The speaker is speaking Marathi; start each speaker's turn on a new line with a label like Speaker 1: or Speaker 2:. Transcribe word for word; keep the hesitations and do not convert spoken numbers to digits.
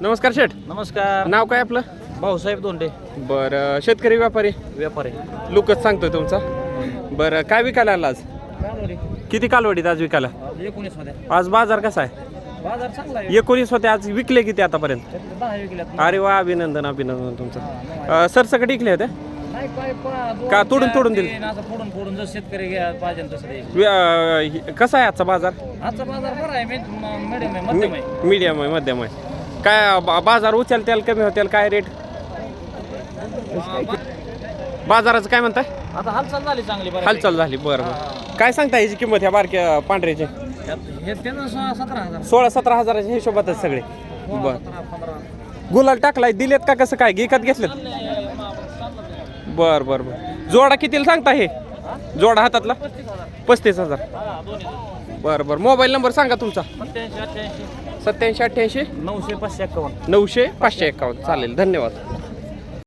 Speaker 1: नमस्कार शेठ.
Speaker 2: नमस्कार.
Speaker 1: नाव काय आपलं?
Speaker 2: भाऊसाहेब दोंडे.
Speaker 1: बरं, शेतकरी व्यापारी
Speaker 2: व्यापारी.
Speaker 1: लोकच सांगतोय तुमचा. बरं, काय विकायला आला आज? किती कालवडीत आज विकायला?
Speaker 2: एकोणीस मध्ये
Speaker 1: आज बाजार कसा आहे?
Speaker 2: बाजार चांगला आहे.
Speaker 1: एकोणीस होते, आज विकले किती आतापर्यंत?
Speaker 2: दहा विकल्यात.
Speaker 1: अरे वा, अभिनंदन अभिनंदन तुमचं. सरसकट विकले होते
Speaker 2: नाही काय पा-
Speaker 1: का
Speaker 2: दोन,
Speaker 1: तोडून
Speaker 2: चार,
Speaker 1: तोडून दिले?
Speaker 2: तीन असं फोडून फोडून जर शेतकरी घ्या पाहिजे तसं द्यायचं.
Speaker 1: वि- अं, कसा आहे आजचा बाजार?
Speaker 2: आजचा बाजार बरा आहे. मिडियम आहे, मध्यम आहे.
Speaker 1: मीडियम आहे, मध्यम आहे. काय बा- बाजार उचलतेल कमी होतील काय रेट? बाजाराचं काय म्हणताय?
Speaker 2: आता हालचाल झाली चांगली बरं.
Speaker 1: हालचाल झाली. बरं बरं. काय सांगता ह्याची किंमत ह्या बारक्या पांढऱ्याची?
Speaker 2: हे त्यानं स- सतरा हजार.
Speaker 1: सोळा सतरा हजाराच्या हिशोबातच सगळे. बर,
Speaker 2: सतरा, पंधरा.
Speaker 1: गुलाल टाकलाय, दिलेत का कसं काय विकत घेतलेत? बर बर बर. जोडा कितीला सांगता हे? जोडा हातातला
Speaker 2: पस्तीस हजार.
Speaker 1: पस्तीस हजार.
Speaker 2: हा, दोन्ही.
Speaker 1: बर बर. मोबाईल नंबर सांगा तुमचा.
Speaker 2: सत्याऐंशी अठ्ठ्याऐंशी
Speaker 1: सत्याऐंशी अठ्ठ्याऐंशी
Speaker 2: नऊशे पाचशे एक्कावन्न.
Speaker 1: नऊशे पाचशे एकावन्न. चालेल, धन्यवाद.